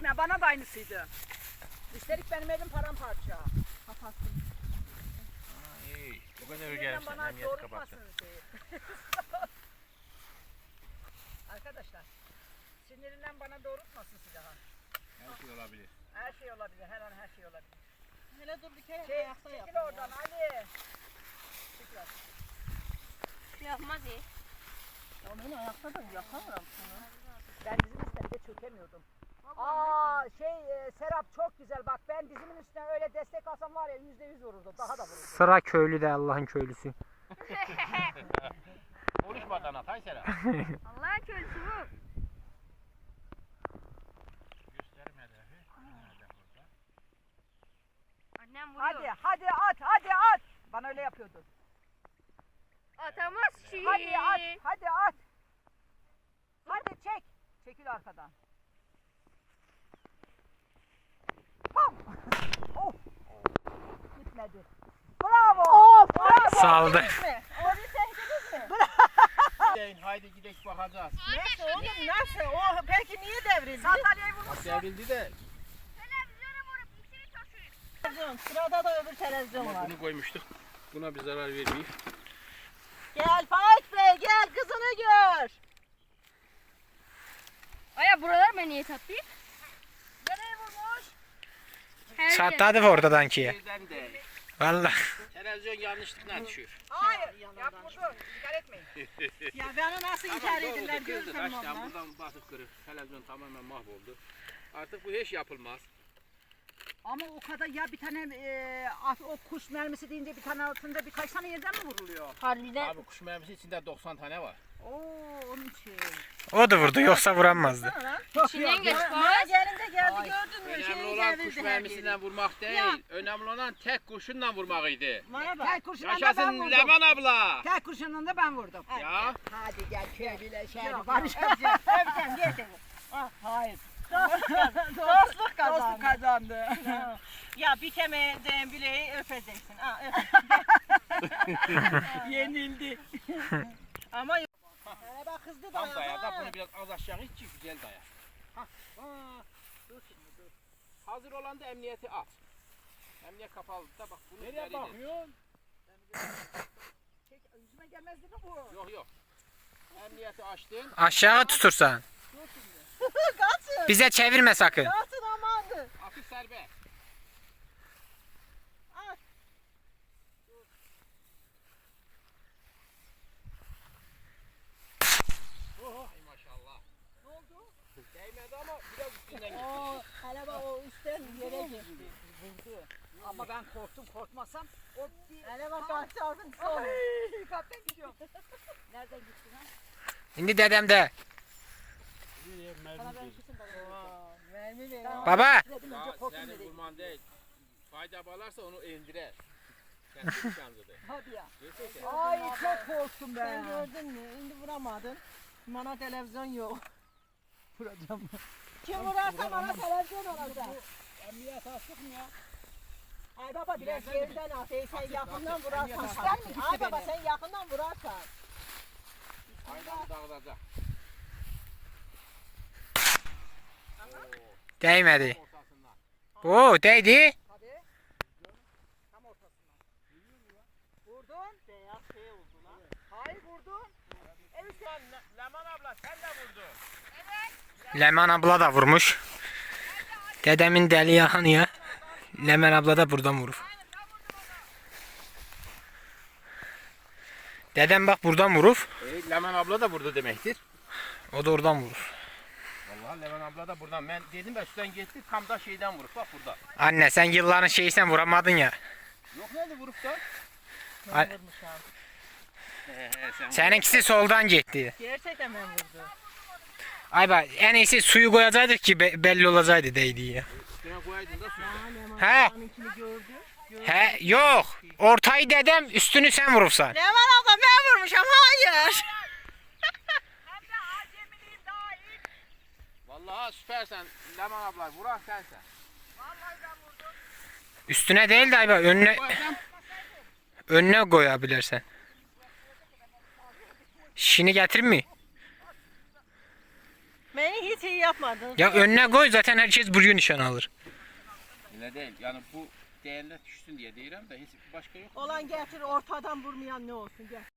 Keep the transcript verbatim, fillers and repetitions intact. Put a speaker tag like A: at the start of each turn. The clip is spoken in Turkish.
A: etme, bana da aynısıydı. Üstelik benim elim paramparça.
B: Kapattım.
C: Ha iyi. O kadar
A: Sinirden
C: gelmişsin.
A: bana
C: Emniyeti kapattın.
A: doğrultmasın şeyi. Arkadaşlar, sinirinden bana doğrultmasın silahı.
C: Her şey olabilir.
A: Her şey olabilir, her an her şey olabilir.
B: Hele dur bir kere
A: Şey,
B: ayakta yap.
A: çekil oradan Ali. Çekil oradan.
D: Yapmaz iyi.
B: Ya ben ayakta da yakamıyorum sana.
A: Ben dizim üstünde çökemiyordum. Aa şey e, Serap çok güzel bak ben dizimin üstüne öyle destek alsam var ya yüzde yüz vururdum daha da vururdum.
E: Sıra köylü de Allah'ın köylüsü.
C: Konuşmadan at Aysera.
D: Allah'ın köylüsü bu.
C: Gösterme hedefi. Nerede burada?
D: Annem vuruyor.
A: Hadi hadi at hadi at. Bana öyle yapıyordu.
D: Atamaz ki.
A: Hadi at hadi at. Hadi çek. Çekil arkadan. Pam. Oh. Gitmedi. Bravo. Of, bravo.
E: Saldı.
B: Orayı sevdiniz mi?
C: Deyin, haydi gidelim bakacağız.
B: Nasıl oğlum nasıl? O peki niye devrildi?
A: Sandalyeyi
C: Bak
A: vurmuşsun.
C: devrildi de.
D: Televizyona vurup içini taşıyor.
B: Televizyon, sırada da öbür televizyon
C: Ama
B: var.
C: bunu koymuştuk. Buna bir zarar vermeyeyim.
B: Gel Faik Bey gel kızını gör.
D: Aya buralar beni niye tatlıyor?
A: Nereye vurmuş?
D: Her yer.
E: Çatladı oradan ki ya.
C: Birden de.
E: Vallahi.
C: Televizyon yanlışlıkla düşüyor.
A: Hayır.
B: yanından
A: Yap vurdu. Dikkat etmeyin.
B: Ya beni nasıl inkar edirler
C: kırdı.
B: görürsen
C: Taştan
B: valla.
C: buradan batıp kırık. Televizyon tamamen mahvoldu. Artık bu hiç yapılmaz.
A: Ama o kadar ya bir tane e, at- o kuş mermisi deyince bir tane altında birkaç tane yerden mi vuruluyor?
D: Harbiden.
C: Abi kuş mermisi içinde doksan tane var.
A: Oo onun için.
E: O da vurdu yoksa vuramazdı.
D: İçinden geç
B: Bana
D: bak.
B: gelinde geldi
A: Ay,
B: gördün mü?
C: Önemli
B: Şeyi
C: olan kuş
B: devirdi her
C: mermisinden
B: yeri.
C: vurmak değil.
B: Ya.
C: Önemli olan tek kurşunla vurmakıydı.
B: Bana bak.
A: Tel kurşunla da ben
C: Yaşasın
A: vurdum.
C: Leman abla.
A: Tel kurşunla da ben vurdum.
C: Ya.
A: Hadi gel köylüyle şey
B: Yok,
A: barış.
B: yok, öpeceğim, öpeceğim, gel seni. Ah, hayır. Dostluk kazandı. Dostluk kazandı.
A: Dostluk kazandı.
B: Ya bitemeyeceğin bileği öpeceksin. Ha, öp.
A: Yenildi.
B: Ama yok. Hele bak hızlı
C: Tam daya da
B: dayan.
C: bunu biraz az aşağı iç ki güzel daya. Hah. Ha. Dur şimdi dur. Hazır olan da emniyeti at. Emniyet kapalı da bak bunu nereye bakıyorsun?
A: Çek, yüzüme gelmez değil mi bu?
C: Yok yok. Emniyeti açtın.
E: Aşağı tutursan.
B: Kaçın.
E: Bize çevirme sakın.
B: Kaçın amandı.
C: Atış serbest.
B: At.
C: Ay maşallah. Ne oldu? Değmedi ama biraz üstünden gitti.
B: Oo, hele bak o üstten yere geçti.
A: Vurdu. Ama ben korktum korkmasam o bir...
B: Hele bak bak çarpın sol.
A: Ay kaptan gidiyorum. Nereden gittin ha?
E: Şimdi dedem de.
A: Sana ben kesin bana.
B: Oo, mermi ver.
E: Baba.
A: Dedim
C: Daha
A: önce korktum
C: senin
A: dedi.
C: vurman değil. Fayda bağlarsa onu indirer. Kesin şansıdır.
A: Hadi ya.
C: Gerçekten.
A: Ay çok korktum ben.
B: Sen gördün mü? Şimdi vuramadın. Bana televizyon yok.
A: Vuracağım.
B: Kim vurarsa bana televizyon olacak.
A: Emniyet astık mı ya? Ay baba
B: Biraz
A: biraz
B: geriden at. Ey sen yakından
A: attık.
B: vurarsan.
A: Kuşlar mı gitti
B: Ay baba
A: beni?
B: sen yakından vurarsan.
C: Aydan dağılacak.
E: Değmedi.
C: Ortasından.
E: Oo değdi.
A: Hadi. Tam ortasından. Vurdun.
B: Beyaz şey oldu lan.
A: Hayır vurdun. Evet.
C: Leman abla sen de vurdun.
E: Leman abla da vurmuş. Dedemin deli yahanı ya. Leman abla da buradan vurur. Dedem bak buradan vurur.
C: E, Leman abla da vurdu demektir.
E: O da oradan vurur.
C: Vallahi Leman abla da buradan. Ben dedim ya üstten gitti tam da şeyden vurup bak burada.
E: Anne sen yılların şeysen vuramadın ya.
C: Yok nerede vurup da?
E: Ay-
B: Vurmuş abi.
C: He he sen.
E: Seninkisi soldan gitti.
B: Gerçekten ben vurdu.
E: Ay bak en iyisi suyu koyacaktık ki be- belli olacaktı değdi ya.
C: Üstüne koyaydın da su.
E: He.
B: Onunkini gördü.
E: He yok. Ortayı dedem üstünü sen vurursan.
B: Ne var abla ben vurmuşum hayır.
A: Hem de acemiliğin daha iyi.
C: Vallahi süpersen Leman abla vuran sensen.
A: Vallahi ben vurdum.
E: Üstüne değil de ay bak önüne
C: Koysam
E: önüne koyabilirsen. Şini getirir mi?
B: Beni hiç iyi yapmadın.
E: Ya önüne koy zaten herkes buraya nişan alır.
C: Öyle değil. Yani bu değerler düşsün diye değilim de hiç başka yok.
B: Olan getir ortadan vurmayan ne olsun gel.